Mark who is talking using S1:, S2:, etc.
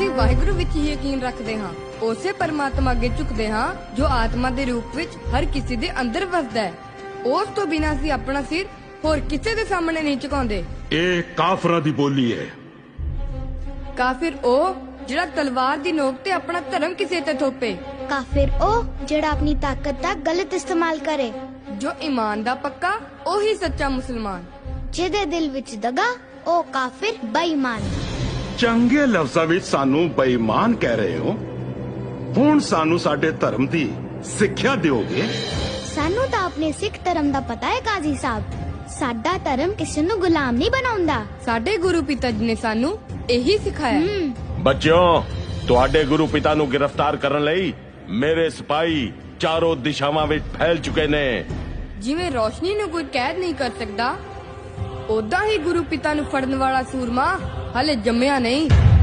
S1: ਅਸੀਂ ਵਾਹਿਗੁਰੂ ਵਿੱਚ ਹੀ ਯਕੀਨ ਰੱਖਦੇ ਹਾਂ, ਉਸੇ ਪਰਮਾਤਮਾ ਅੱਗੇ ਝੁਕਦੇ ਹਾਂ ਜੋ ਆਤਮਾ ਦੇ ਰੂਪ ਵਿੱਚ ਹਰ ਕਿਸੇ ਦੇ ਅੰਦਰ ਵਸਦਾ ਹੈ। ਉਸ ਤੋਂ ਬਿਨਾਂ ਅਸੀਂ ਆਪਣਾ ਸਿਰ ਹੋਰ ਕਿਸੇ ਦੇ ਸਾਹਮਣੇ ਨਹੀਂ ਝੁਕਾਉਂਦੇ।
S2: ਇਹ ਕਾਫਰਾਂ ਦੀ ਬੋਲੀ ਹੈ।
S1: ਕਾਫਿਰ ਉਹ ਜਿਹੜਾ ਤਲਵਾਰ ਦੀ ਨੋਕ ਤੇ ਆਪਣਾ ਧਰਮ ਕਿਸੇ ਤੇ ਥੋਪੇ।
S3: ਕਾਫਿਰ ਉਹ ਜਿਹੜਾ ਆਪਣੀ ਤਾਕਤ ਦਾ ਗਲਤ ਇਸਤੇਮਾਲ ਕਰੇ।
S1: ਜੋ ਈਮਾਨ ਦਾ ਪੱਕਾ ਉਹੀ ਸੱਚਾ ਮੁਸਲਮਾਨ।
S3: ਜਿਹਦੇ ਦਿਲ ਵਿੱਚ ਦਗਾ ਉਹ ਕਾਫਿਰ ਬੇਈਮਾਨ।
S2: ਚੰਗੇ ਲਫ਼ਜ਼ਾਂ ਵਿੱਚ ਸਾਨੂੰ ਬੇਈਮਾਨ ਕਹਿ ਰਹੇ ਹੋ। ਹੁਣ ਸਾਨੂੰ ਸਾਡੇ ਧਰਮ ਦੀ ਸਿੱਖਿਆ ਦਿਓਗੇ?
S3: ਸਾਨੂੰ ਤਾਂ ਆਪਣੇ ਸਿੱਖ ਧਰਮ ਦਾ ਪਤਾ ਹੈ ਕਾਜ਼ੀ ਸਾਹਿਬ। ਸਾਡਾ ਧਰਮ ਕਿਸੇ ਨੂੰ ਗੁਲਾਮ ਨਹੀਂ ਬਣਾਉਂਦਾ।
S1: ਸਾਡੇ ਗੁਰੂ ਪਿਤਾ ਜੀ ਨੇ ਸਾਨੂੰ ਇਹੀ ਸਿਖਾਇਆ।
S4: ਬੱਚਿਓ, ਤੁਹਾਡੇ ਗੁਰੂ ਪਿਤਾ ਨੂੰ ਗ੍ਰਿਫਤਾਰ ਕਰਨ ਲਈ ਮੇਰੇ ਸਿਪਾਹੀ ਚਾਰੋਂ ਦਿਸ਼ਾਵਾਂ ਵਿੱਚ ਫੈਲ ਚੁੱਕੇ ਨੇ।
S1: ਜਿਵੇਂ ਰੋਸ਼ਨੀ ਨੂੰ ਕੋਈ ਕੈਦ ਨਹੀਂ ਕਰ ਸਕਦਾ, ਉਦਾਂ ਹੀ ਗੁਰੂ ਪਿਤਾ ਨੂੰ ਫੜਨ ਵਾਲਾ ਸੂਰਮਾ ਹਲੇ ਜੰਮਿਆ ਨਹੀਂ।